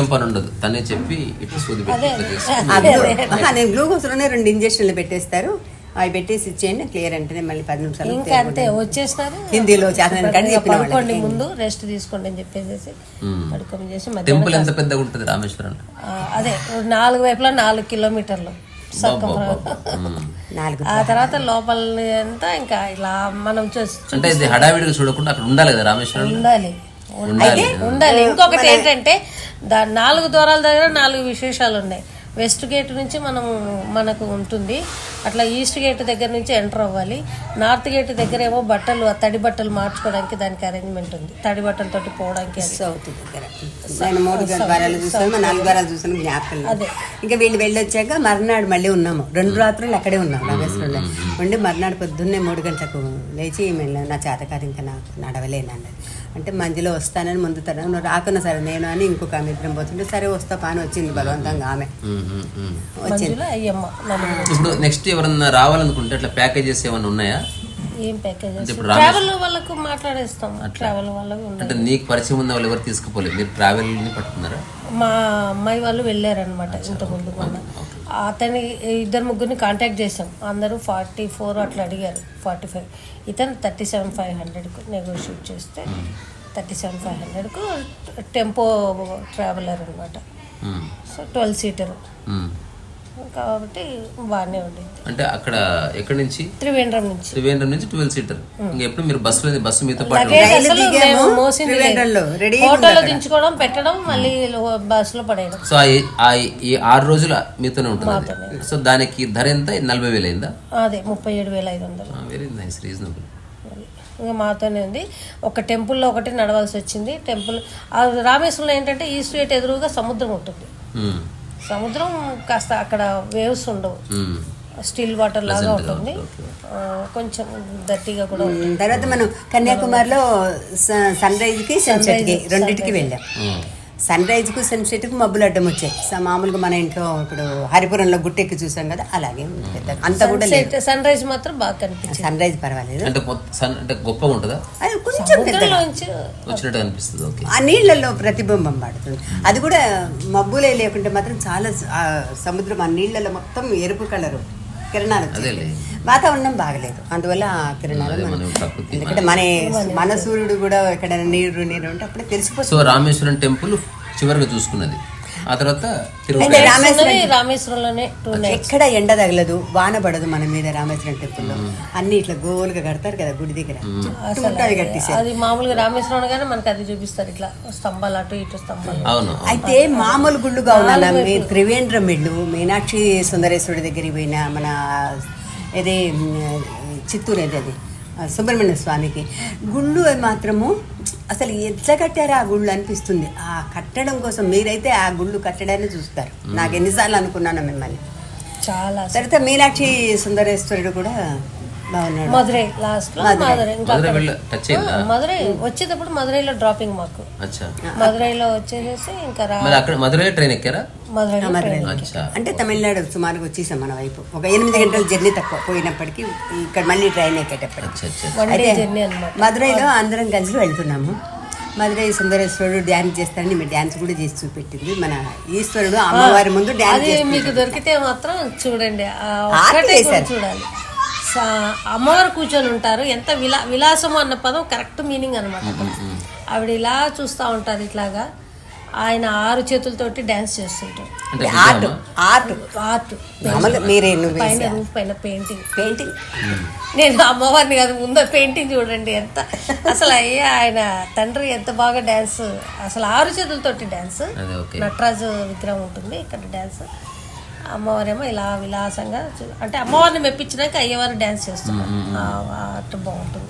Speaker 3: నేను గ్లూకోజ్లోనే 2 ఇంజక్షన్లు పెట్టేస్తారు. అవి పెట్టేసి ఇచ్చేయండి, క్లియర్ అంటేనే మళ్ళీ 10 నిమిషాలు
Speaker 2: ఇంకా అంతే వచ్చేస్తారు.
Speaker 3: హిందీలో
Speaker 2: పడుకోండి, ముందు రెస్ట్ తీసుకోండి అని చెప్పేసి పడుకొని చేసి
Speaker 1: రామేశ్వరం
Speaker 2: అదే 4 వైపులా 4 కిలోమీటర్లు సక్కం. ఆ తర్వాత లోపల అంతా ఇంకా ఇలా మనం
Speaker 1: చూడకుండా అక్కడ ఉండాలి కదా రామేశ్వరం.
Speaker 2: ఉండాలి. ఇంకొకటి ఏంటంటే 4 ద్వారాల దగ్గర 4 విశేషాలు ఉన్నాయి. వెస్ట్ గేట్ నుంచి మనకు ఉంటుంది. అట్లా ఈస్ట్ గేట్ దగ్గర నుంచి ఎంటర్ అవ్వాలి. నార్త్ గేట్ దగ్గర ఏమో బట్టలు తడి బట్టలు మార్చుకోవడానికి దానికి అరేంజ్మెంట్ ఉంది, తడి బట్టలతోటి పోవడానికి.
Speaker 3: సౌత్ దగ్గర నేను 3 వారాలు చూసాను, 4 వారాలు చూసాను, జ్ఞాపకం లేదు. ఇంకా వీళ్ళు వెళ్ళొచ్చాక మర్నాడు మళ్ళీ ఉన్నాము, 2 రాత్రులు అక్కడే ఉన్నాం రామేశ్వరంలో ఉండి. మర్నాడు పొద్దున్నే 3 గంటలకు లేచి నా చేతకాదు ఇంకా నాకు నడవలేనండి అంటే మంజిలో వస్తానని ముందు తన నువ్వు రాకున్నా సరే నేను అని ఇంకొక ఆమె ఇద్దరం పోతుంటే సరే వస్తా పాని వచ్చింది బలవంతంగా ఆమె వచ్చింది.
Speaker 1: ఇప్పుడు నెక్స్ట్ ఎవరన్నా రావాలనుకుంటే అట్లా ప్యాకేజెస్ ఏమైనా ఉన్నాయా?
Speaker 2: ఏం ప్యాకేజెస్ ట్రావెల్ వాళ్ళకు మాట్లాడేస్తాం. ట్రావెల్ వాళ్ళకు
Speaker 1: అంటే నీకు పరిచయం ఉన్న వాళ్ళు ఎవరు తీసుకుపోలేదు, మీరు ట్రావెల్ ని పట్టుకున్నారా?
Speaker 2: మా అమ్మాయి వాళ్ళు వెళ్ళారనమాట ఇంతకుముందు. మొన్న అతని 2-3 కాంటాక్ట్ చేసాం, అందరూ 44 అట్లా అడిగారు, 45. ఇతను 37,500కు నెగోషియేట్ చేస్తే 37,500కు టెంపో ట్రావెలర్ అనమాట. సో 12 సీటర్ కాబట్టి బాగానే ఉండేది.
Speaker 1: అంటే అక్కడ ఎక్కడి నుంచి?
Speaker 2: త్రివేంద్రం నుంచి
Speaker 1: 12 సీటర్. ఇంకా ఎప్పుడు మీరు బస్సు మీతో పాటు
Speaker 2: హోటల్లో దించుకోవడం, పెట్టడం, మళ్ళీ బస్సులో పడేయడం.
Speaker 1: సో ఈ 6 రోజులు మీతోనే ఉంటుంది. సో దానికి ధర ఎంత? 40,000 అయిందా?
Speaker 2: అదే 37,500.
Speaker 1: Very nice, reasonable.
Speaker 2: ఇంకా మాతోనే ఉంది. ఒక టెంపుల్లో ఒకటి నడవాల్సి వచ్చింది. టెంపుల్ రామేశ్వరంలో ఏంటంటే ఈస్ట్ గేట్ ఎదురుగా సముద్రం ఉంటుంది. సముద్రం కాస్త అక్కడ వేవ్స్ ఉండవు, స్టిల్ వాటర్ లాగా ఉంటుంది, కొంచెం దట్టిగా కూడా ఉంటుంది.
Speaker 3: తర్వాత మనం కన్యాకుమారిలో సన్ రైజ్కి సన్సెట్కి రెండింటికి వెళ్ళాం. సన్ రైజ్కు సన్సెట్కి మబ్బులు అడ్డం వచ్చాయి. మామూలుగా మన ఇంట్లో ఇప్పుడు హరిపురంలో గుట్టెక్కి చూసాం కదా, అలాగే పెద్ద అంత కూడా లేదు.
Speaker 2: సన్ రైజ్ మాత్రం బాగా కనిపించింది.
Speaker 3: సన్ రైజ్ పర్వాలేదు,
Speaker 1: అంటే గొప్పగా ఉంటుందా?
Speaker 3: అది కొంచెం
Speaker 1: వచ్చినట్టు అనిపిస్తుంది.
Speaker 3: ఆ నీళ్లలో ప్రతిబింబం పడుతుంది. అది కూడా మబ్బులే లేకుంటే మాత్రం చాలా సముద్రం ఆ నీళ్లలో మొత్తం ఎరుపు కలరు కిరణాలు. వాతావరణం బాగలేదు, అందువల్ల ఆ కిరణాలు ఎందుకంటే మన సూర్యుడు కూడా ఎక్కడ నీరు ఉంటే అప్పుడే తెలిసిపోతుంది.
Speaker 1: సో రామేశ్వరం టెంపుల్ చివరిగా చూసుకున్నది. ఆ తర్వాత
Speaker 2: రామేశ్వరంలోనే
Speaker 3: ఎక్కడ ఎండ తగలదు, వాన పడదు మన మీద. రామేశ్వరం టెంపుల్లో అన్ని ఇట్లా గోలుగా కడతారు కదా గుడి దగ్గర,
Speaker 2: అది మామూలుగా రామేశ్వరం గానే మనకి అది చూపిస్తారు, ఇట్లా స్తంభాలు అటు ఇటు స్తంభాలు.
Speaker 3: అయితే మామూలు గుళ్ళుగా ఉన్నా త్రివేంద్రం వెళ్ళు, మీనాక్షి సుందరేశ్వరుడి దగ్గరికి పోయినా, మన ఏదే చిత్తూరు అది సుబ్రహ్మణ్య స్వామికి గుళ్ళు మాత్రము అసలు ఎట్లా కట్టారో ఆ గుళ్ళు అనిపిస్తుంది. ఆ కట్టడం కోసం మీరైతే ఆ గుళ్ళు కట్టడాన్ని చూస్తారు. నాకు ఎన్నిసార్లు అనుకున్నాను మిమ్మల్ని.
Speaker 2: చాలా
Speaker 3: తర్వాత మీనాక్షి సుందరేశ్వరుడు కూడా బాగున్నాడు.
Speaker 2: మధురై లాస్ట్ మధురై వచ్చేటప్పుడు మధురైలో డ్రాపింగ్ మాకు. మధురైలో వచ్చేసేసి ఇంకా
Speaker 1: మధురై ట్రైన్ ఎక్కారా?
Speaker 3: అంటే తమిళనాడు సుమారుగా వచ్చేసాం మన వైపు. ఒక 8 గంటల జర్నీ తక్కువ పోయినప్పటికీ ఇక్కడ మళ్ళీ ట్రైన్ ఎక్కేటప్పటికి మధురైలో అందరం కలిసి వెళ్తున్నాము. మధురై సుందరేశ్వరుడు డ్యాన్స్ చేస్తారని మీరు డ్యాన్స్ కూడా చేసి చూపెట్టింది. మన ఈశ్వరుడు అమ్మవారి ముందు డ్యాన్స్
Speaker 2: మీకు దొరికితే మాత్రం చూడండి, చూడాలి. అమ్మవారు కూర్చొని ఉంటారు, ఎంత విలాసము అన్న పదం కరెక్ట్ మీనింగ్ అనమాట. ఆవిడ ఇలా చూస్తూ ఉంటారు ఇట్లాగా, ఆయన 6 చేతులతోటి డాన్స్ చేస్తుంటారు. పైన రూఫ్ పైన పెయింటింగ్. నేను అమ్మవారిని కాదు ముందు పెయింటింగ్ చూడండి ఎంత అసలు ఆయన తండ్రి ఎంత బాగా డాన్స్, అసలు 6 చేతులతోటి డాన్స్. నటరాజు విగ్రహం ఉంటుంది ఇక్కడ డాన్స్, అమ్మవారేమో ఇలా విలాసంగా అంటే అమ్మవారిని మెప్పించినాక అయ్యవారు డాన్స్ చేస్తున్నారు. అట్లా బాగుంటుంది.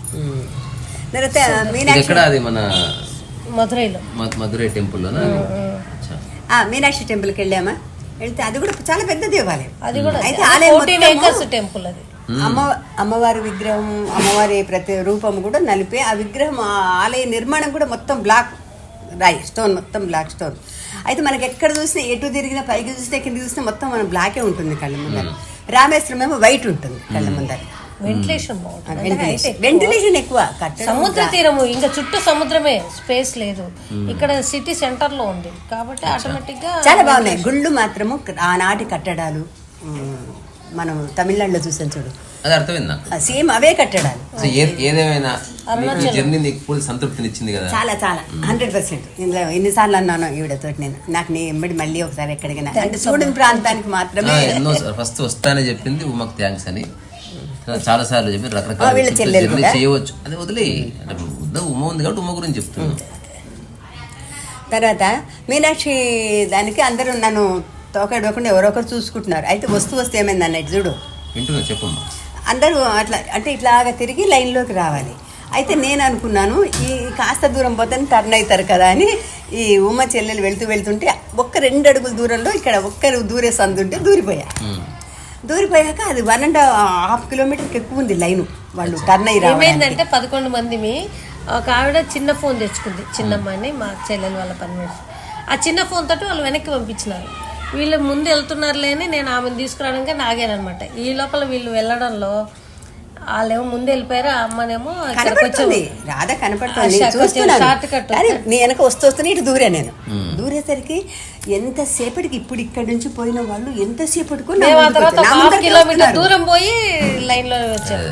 Speaker 1: మధురై టెంపుల్
Speaker 3: మీనాక్షి టెంపుల్కి వెళ్ళామా? వెళ్తే అది కూడా చాలా పెద్ద దేవాలయం.
Speaker 2: అది కూడా
Speaker 3: అయితే ఆలయం
Speaker 2: టెంపుల్. అది
Speaker 3: అమ్మవారి విగ్రహం, అమ్మవారి ప్రతి రూపం కూడా నలిపే ఆ విగ్రహం. ఆ ఆలయ నిర్మాణం కూడా మొత్తం బ్లాక్ రాయి స్టోన్, మొత్తం బ్లాక్ స్టోన్. అయితే మనకి ఎక్కడ చూసినా ఎటు తిరిగినా, పైకి చూసినా కింద చూసినా మొత్తం మనం బ్లాకే ఉంటుంది కళ్ళ ముందర. రామేశ్వరం ఏమో వైట్ ఉంటుంది కళ్ళ ముందర.
Speaker 2: వెంటిలేషన్ బాగుంటుంది,
Speaker 3: వెంటిలేషన్ ఎక్కువ.
Speaker 2: సముద్ర తీరము, ఇంకా చుట్టూ సముద్రమే, స్పేస్ లేదు. ఇక్కడ సిటీ సెంటర్ లో ఉంది కాబట్టి ఆటోమేటిక్ గా
Speaker 3: చాలా బాగున్నాయి గుళ్ళు మాత్రము. ఆనాటి కట్టడాలు మనం తమిళనాడులో చూసాం చూడు,
Speaker 1: అది అర్థమైందా?
Speaker 3: సేమ్ అవే కట్టడాలు.
Speaker 1: ఏదేమైనా జర్నీ నీకు పూర్తి సంతృప్తినిచ్చింది కదా?
Speaker 3: చాలా చాలా 100%. ఇందులో ఎన్నిసార్లు అన్నాను ఈవిడతో నేను, నాకు నీ ఎంబడి మళ్ళీ ఒకసారి ఎక్కడికైనా అంటే చూడని ప్రాంతానికి మాత్రమే.
Speaker 1: ఎన్నో ఫస్ట్ వస్తానే చెప్పింది ఉమ్మకు థ్యాంక్స్ అని, చాలా సార్లు చెప్పి రకరకాల చేయవచ్చు. అది వదిలే ఉమ్మ ఉంది కాబట్టి ఉమ్మ గురించి చెప్తున్నాను.
Speaker 3: తర్వాత మీనాక్షి దానికి అందరూ నన్ను తోకడకుండా ఎవరొకరు చూసుకుంటున్నారు. అయితే వస్తూ ఏమైంది అన్నట్టు చూడు,
Speaker 1: వింటున్నా, చెప్పమ్మా.
Speaker 3: అందరూ అట్లా అంటే ఇట్లాగా తిరిగి లైన్లోకి రావాలి. అయితే నేను అనుకున్నాను ఈ కాస్త దూరం పోతే టర్న్ అవుతారు కదా అని ఈ ఉమ్మ చెల్లెలు వెళ్తుంటే ఒక్క 2 అడుగుల దూరంలో ఇక్కడ ఒక్కరు దూరే సందుంటే దూరిపోయాక అది 1.5 కిలోమీటర్కి ఎక్కువ ఉంది లైను. వాళ్ళు టర్న్ అయ్యి
Speaker 2: ఏమైందంటే 11 మందిమి ఒక ఆవిడ చిన్న ఫోన్ తెచ్చుకుంది, చిన్నమ్మని మా చెల్లెలు వాళ్ళ పని మీద. ఆ చిన్న ఫోన్ తోటి వాళ్ళు వెనక్కి పంపించినారు. వీళ్ళు ముందు వెళ్తున్నారులే అని నేను ఆమెను తీసుకురావడానికి నాగానమాట. ఈ లోపల వీళ్ళు వెళ్ళడంలో వాళ్ళేమో ముందు వెళ్ళిపోయారు, ఆ అమ్మనేమో
Speaker 3: కనపడుతుంది, రాధ కనపడుతుంది, నీ వెనక వస్తూనే ఇటు దూరా. నేను దూరేసరికి ఎంతసేపటికి ఇప్పుడు ఇక్కడ నుంచి పోయిన వాళ్ళు ఎంతసేపటికి
Speaker 2: కిలోమీటర్ దూరం పోయి లైన్ లో వచ్చారు.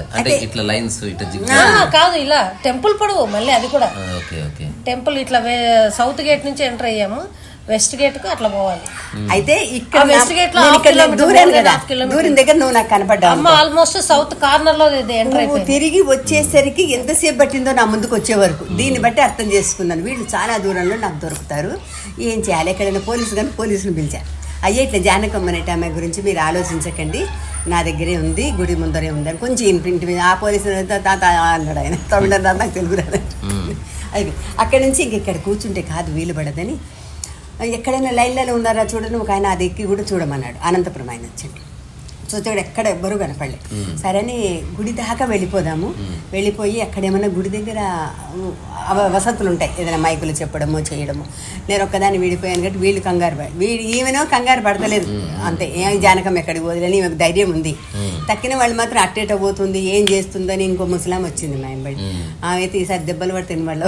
Speaker 2: కాదు ఇలా టెంపుల్ పొడవు, మళ్ళీ అది కూడా టెంపుల్ ఇట్లా సౌత్ గేట్ నుంచి ఎంటర్ అయ్యాము, వెస్ట్ గేట్ కు అట్లా పోవాలి.
Speaker 3: అయితే ఇక్కడ
Speaker 2: వెస్ట్ గేట్ లో
Speaker 3: దూరం దగ్గర నువ్వు నాకు కనపడ్డా.
Speaker 2: అమ్మ ఆల్మోస్ట్ సౌత్ కార్నర్ లో ఎంటర్ అయిపోయి
Speaker 3: తిరిగి వచ్చేసరికి ఎంతసేపు పట్టిందో నా ముందుకు వచ్చే వరకు. దీన్ని బట్టి అర్థం చేసుకున్నాను వీళ్ళు చాలా దూరంలో నాకు దొరుకుతారు, ఏం చేయాలి. ఎక్కడైనా పోలీసుని పిలిచాను. అయ్యే ఇట్లా జానకమ్మ అనేట ఆమె గురించి మీరు ఆలోచించకండి, నా దగ్గరే ఉంది, గుడి ముందరే ఉంది అని కొంచెం ఇంటి మీద. ఆ పోలీసు తాత అన్నాడు ఆయన, తమిళ నాకు తెలుగు రాదు. అది అక్కడి నుంచి ఇంకెక్కడ కూర్చుంటే కాదు వీలు పడదని, ఎక్కడైనా లైన్లలో ఉన్నారా చూడని ఒక ఆయన అది ఎక్కి కూడా చూడమన్నాడు. అనంతపురం ఆయన వచ్చండి, చూచాడు ఎక్కడ ఎవ్వరూ కనపడలే. సరే అని గుడి దాకా వెళ్ళిపోదాము. వెళ్ళిపోయి అక్కడేమన్నా గుడి దగ్గర వసతులు ఉంటాయి, ఏదైనా మైకులు చెప్పడమో చేయడము. నేను ఒక్కదాన్ని విడిపోయాను కాబట్టి వీళ్ళు ఈమెనో కంగారు పడతలేదు అంతే. జానకం ఎక్కడికి పోదని ఈమెకు ధైర్యం ఉంది. తక్కిన వాళ్ళు మాత్రం అట్టేట పోతుంది, ఏం చేస్తుందని ఇంకో ముసలాం వచ్చింది మా ఎంబడి. ఆమె అయితే ఈసారి దెబ్బలు పడితే వాళ్ళు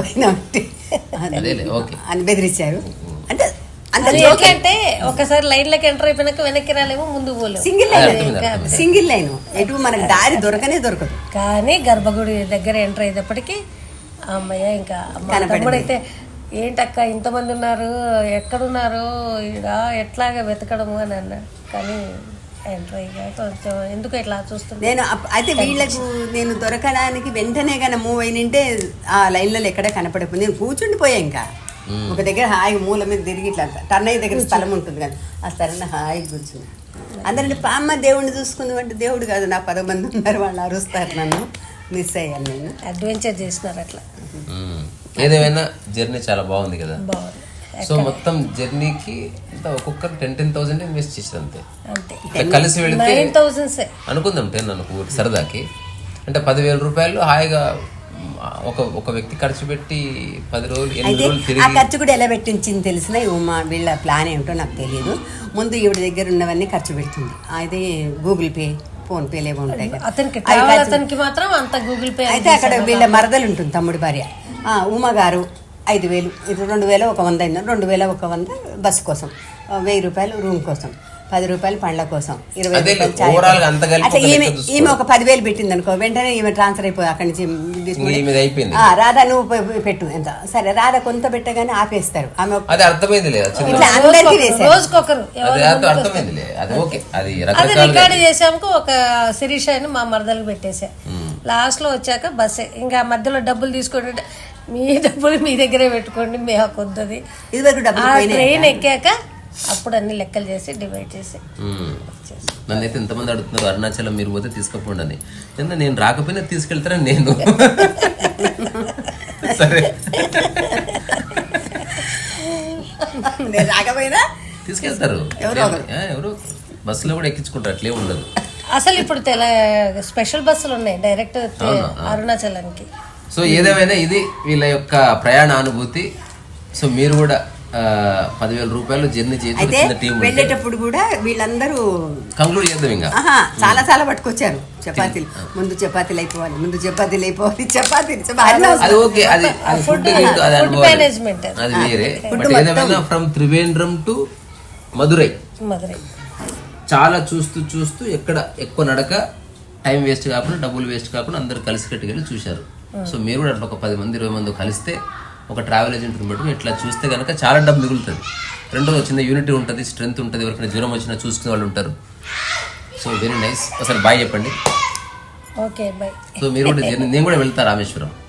Speaker 3: అని బెదిరించారు. అంటే
Speaker 2: అంటే ఒకసారి లైన్ లోకి ఎంటర్ అయిపోయినాక వెనక్కి రాలేమో, ముందు పోలేము.
Speaker 3: సింగిల్ లైన్ ఎటు మనకు దారి దొరకదు.
Speaker 2: కానీ గర్భగుడి దగ్గర ఎంటర్ అయ్యేటప్పటికి అమ్మయ్య ఇంకా తమ్ముడైతే ఏంటక్క ఇంతమంది ఉన్నారు, ఎక్కడున్నారు, ఈడ ఎట్లాగా వెతకడము అని అన్నాడు. కానీ ఎంటర్ అయ్యా కొంచెం ఎందుకు ఇట్లా చూస్తుంది.
Speaker 3: నేను అయితే వీళ్ళకు నేను దొరకడానికి వెంటనే కానీ మూవ్ అయినంటే ఆ లైన్లలో ఎక్కడ కనపడకపోయింది. నేను కూర్చుండిపోయా. ఇంకా ఒక దగ్గర హాయి మూల మీద తిరిగి ఇట్లా టర్న్ అయ్యే దగ్గర స్థలం ఉంటుంది కదా, ఆ స్థలంలో హాయి కూర్చున్నా. అందరంటే పామ్మ దేవుడిని చూసుకుంది అంటే దేవుడు కాదు, నా 10 మంది ఉన్నారు, వాళ్ళు అరుస్తారు, నన్ను మిస్ అయ్యాను. నేను
Speaker 2: అడ్వెంచర్ చేసినారు అట్లా.
Speaker 1: ఏదేమైనా జర్నీ చాలా బాగుంది కదా. సో మొత్తం జర్నీకి ఒక్కొక్కరు 10,000 ఇన్వెస్ట్ చేసారు అంతే. కలిసి వెళితే అనుకుందాం 10 అనుకో సరదాకి, అంటే 10,000 రూపాయలు హాయిగా ఒక వ్యక్తి ఖర్చు పెట్టి 10 రోజులు 8 రోజులు తిరిగి.
Speaker 3: ఆ ఖర్చు కూడా ఎలా పెట్టించింది తెలిసిన వీళ్ళ ప్లాన్ ఏమిటో నాకు తెలియదు. ముందు ఈవిడ దగ్గర ఉన్నవన్నీ ఖర్చు పెడుతుంది. అయితే గూగుల్ పే, ఫోన్ పే లేవో ఉంటాయి కదా.
Speaker 2: అతనికి మాత్రం అంత గూగుల్ పే.
Speaker 3: అయితే అక్కడ వీళ్ళ మరదలు ఉంటుంది, తమ్ముడి భార్య ఉమా గారు 5,000, ఇది 2,000 ఒక 100 అయినా 2,000 ఒక 100 బస్సు కోసం, 1,000 రూపాయలు రూమ్ కోసం, 10 రూపాయలు పండ్ల కోసం, 20 రూపాయలు. అట్లా ఈమె ఒక 10,000 పెట్టింది అనుకో, వెంటనే ఈమె ట్రాన్స్ఫర్ అయిపోయి అక్కడి నుంచి రాధా నువ్వు పెట్టు ఎంత. సరే రాధా కొంత పెట్టగానే ఆపేస్తారు. ఆమె ఇట్లా అందరికీ
Speaker 2: రికార్డు చేసాము. ఒక శిరీష అని మా మరదలకు పెట్టేసా. లాస్ట్ లో వచ్చాక బస్సే, ఇంకా మధ్యలో డబ్బులు తీసుకుంటే మీ డబ్బులు మీ దగ్గరే పెట్టుకోండి, మేము వద్దది. ట్రైన్ ఎక్కాక అప్పుడు అన్ని లెక్కలు చేసి డివైడ్ చేసి.
Speaker 1: నన్నైతే ఎంతమంది అడుగుతున్నారు అరుణాచలం మీరు పోతే తీసుకుపోండి అని. నేను రాకపోయినా తీసుకెళ్తారని నేను. సరే
Speaker 3: రాకపోయినా
Speaker 1: తీసుకెళ్తారు, ఎవరు బస్సులో కూడా ఎక్కించుకుంటారు, అట్లే ఉండదు.
Speaker 2: అసలు ఇప్పుడు స్పెషల్ బస్సులు ఉన్నాయి డైరెక్ట్ అరుణాచలానికి.
Speaker 1: సో ఏదేమైనా ఇది వీళ్ళ యొక్క ప్రయాణ అనుభూతి. సో మీరు కూడా 10,000 రూపాయలు జర్నీ చేసి
Speaker 3: వెళ్ళేటప్పుడు కూడా వీళ్ళందరూ
Speaker 1: కంక్లూడ్ చేద్దాం. ఇంకా
Speaker 3: చాలా పట్టుకొచ్చారు చపాతీలు. ముందు చపాతీలు అయిపోవాలి,
Speaker 1: అది ఓకే, అది ఫుడ్
Speaker 2: మేనేజ్మెంట్
Speaker 1: అది వేరే. బట్ ఏదేమైనా ఫ్రమ్ త్రివేంద్రం టు మదురై చాలా చూస్తూ ఎక్కడ ఎక్కువ నడక, టైం వేస్ట్ కాకుండా, డబ్బులు వేస్ట్ కాకుండా అందరూ కలిసి కట్టుకెళ్ళి చూశారు. సో మీరు కూడా అట్లా ఒక 10 మంది 20 మంది కలిస్తే ఒక ట్రావెల్ ఏజెంట్ని బట్టి ఇట్లా చూస్తే కనుక చాలా డబ్బు మిగులుతుంది. రెండోది చిన్న యూనిటీ ఉంటుంది, స్ట్రెంత్ ఉంటుంది, ఎవరికైనా జ్వరం వచ్చినా చూసుకునే వాళ్ళు ఉంటారు. So very nice. ఒకసారి బాయ్ చెప్పండి.
Speaker 2: Okay bye.
Speaker 1: సో మీరు కూడా నేను కూడా వెళ్తా రామేశ్వరం.